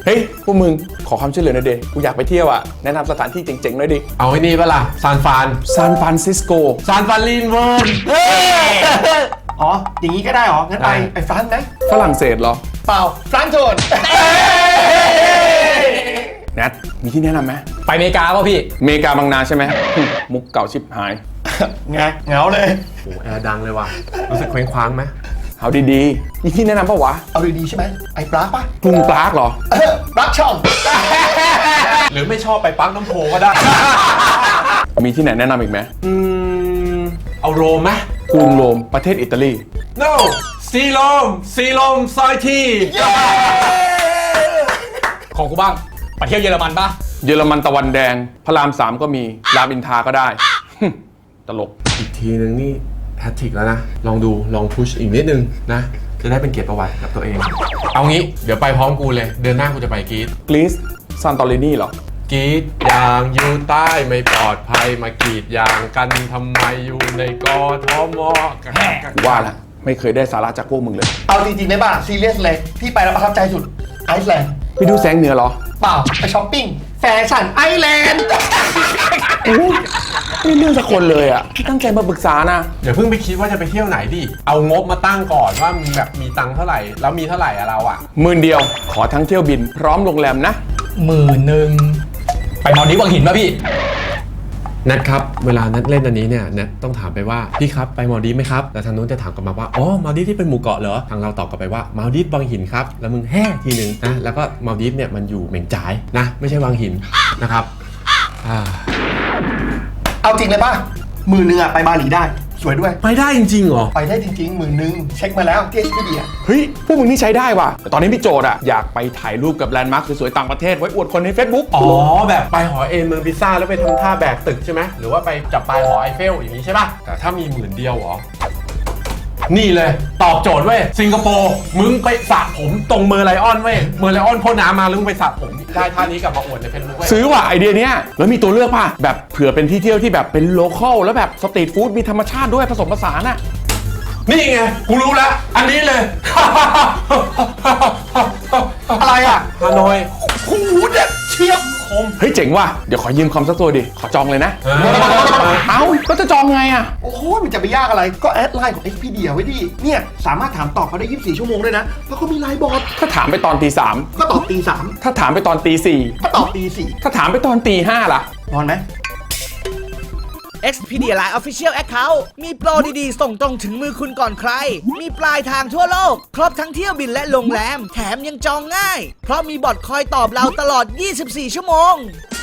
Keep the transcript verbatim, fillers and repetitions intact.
ฮ้ยพวกมึงขอความช่วยเหลือหน่อยดิกูอยากไปเที่ยวอ่ะแนะนำสถานที่เจ๋งๆหน่อยดิเอาไอ้นี่ปะล่ะซานฟรานซานฟรานซิสโกซานฟรานลินเวิร์นอ๋ออย่างนี้ก็ได้เหรองั้นไปไปฟรานซ์ไหมฝรั่งเศสเหรอเปล่าฟรานซ์โจนแนทมีที่แนะนำไหมไปอเมริกาป่ะพี่อเมริกาบางนาใช่ไหมมุกเก่าชิบหายไงเหงาเลยโอ้แอร์ดังเลยว่ะรู้สึกเคว้งคว้างไหมเอาดีๆมีที่แนะนำปะวะเอาดีๆใช่ไหมไอ้ปลาปะกรุงปรากเหรอปลาช่องหรือไม่ชอบไปปักน้ำโพก็ได้มีที่ไหนแนะนำอีกไหมอืมเอาโรมไหมกรุงโรมประเทศอิตาลี no ซีโรมซีโรมซอยทีของกูบ้างไปเที่ยวเยอรมันป่ะเยอรมันตะวันแดงพระรามสามก็มีรามอินทราก็ได้ตลกอีกทีนึงนี่แฮตทริกแล้วนะลองดูลองพุชอีกนิดนึงนะจะได้เป็นเกียรติประวัติกับตัวเองเอางี้เดี๋ยวไปพร้อมกูเลยเดือนหน้ากูจะไปกรีซกรีซซานตอรินีเหรอกรีซยางอยู่ใต้ไม่ปลอดภัยมากรีดยางกันทำไมอยู่ในกทมว่าละไม่เคยได้สาระจากพวกมึงเลยเอาจริงๆได้ป่ะซีเรียสเลยที่ไปแล้วประทับใจสุดไอซ์แลนด์ไปดูแสงเหนือเหรอเปล่าไปช้อปปิ้งแฟชั่นไอแลนด์ไม่เรื่องสักคนเลยอ่ะตั้งใจมาปรึกษานะเดี๋ยวเพิ่งไปคิดว่าจะไปเที่ยวไหนดิเอางบมาตั้งก่อนว่ามีแบบมีตังค์เท่าไหร่แล้วมีเท่าไหร่อะเราอะหมื่นเดียวขอทั้งเที่ยวบินพร้อมโรงแรมนะหมื่นหนึ่งไปมอลดีฟวังหินป่ะพี่นัทครับเวลานัทเล่นอันนี้เนี่ยนัทต้องถามไปว่าพี่ครับไปมอลดีฟไหมครับแล้วทางนู้นจะถามกลับมาว่าอ๋อมอลดีฟที่เป็นหมู่เกาะเหรอทางเราตอบกลับไปว่ามอลดีฟวังหินครับแล้วมึงแห่ทีนึงนะแล้วก็มอลดีฟเนี่ยมันอยู่เหม่งจ่ายนะไม่ใช่วังหินนะครับเอาจริงเลยป่ะหมื่นหนึ่งอะไปบาหลีได้สวยด้วยไปได้จริงๆเหรอไปได้จริงๆหมื่นหนึ่งเช็คมาแล้วที่ Expedia เฮ้ยพวกมึงนี่ใช้ได้ว่ะแต่ตอนนี้พี่โจทย์อะอยากไปถ่ายรูปกับแลนด์มาร์คสวยๆต่างประเทศไว้อวดคนใน Facebook อ๋อแบบไปหอเอ็นเมืองพิซซ่าแล้วไปทำท่าแบกตึกใช่ไหมหรือว่าไปจับปลายหอไอเฟลอย่างนี้ใช่ป่ะแต่ถ้ามีหมื่นเดียวเหรอนี่เลยตอบโจทย์เว้ยสิงคโปร์มึงไปสระผมตรงเมอร์ไลออนเว้ยเมอร์ไลออนพ่นน้ำมาแล้วมึงไปสระผมได้ท่านี้กลับมาอวดในเฟซบุ๊กเว้ยซื้อว่ะไอเดียเนี้ยแล้วมีตัวเลือกป่ะแบบเผื่อเป็นที่เที่ยวที่แบบเป็นโลคอลแล้วแบบสตรีทฟู้ดมีธรรมชาติด้วยผสมผสานอะนี่ไงกูรู้แล้วอันนี้เลยอะไรอะฮานอยหูเด็ดเชียบคมเฮ้ยเจ๋งว่ะเดี๋ยวขอยืมคอมสักตัวดิขอจองเลยนะเอ้าแล้วจะจองไงอะโอ้โหมันจะไปยากอะไรก็แอดไลน์ของ Expedia ไว้ดิเนี่ยสามารถถามตอบเขาได้ยี่สิบสี่ชั่วโมงด้วยนะแล้วก็มีไลน์บอทถ้าถามไปตอนตีสามก็ตอบตีสามถ้าถามไปตอนตีสี่ก็ตอบตีสี่ถ้าถามไปตอนตีห้าล่ะนอนไหม Expedia Line Official Account มีโปรดีๆส่งตรงถึงมือคุณก่อนใครมีปลายทางทั่วโลกครบทั้งเที่ยวบินและโรงแรมแถมยังจองง่ายเพราะมีบอทคอยตอบเราตลอดยี่สิบสี่ชั่วโมง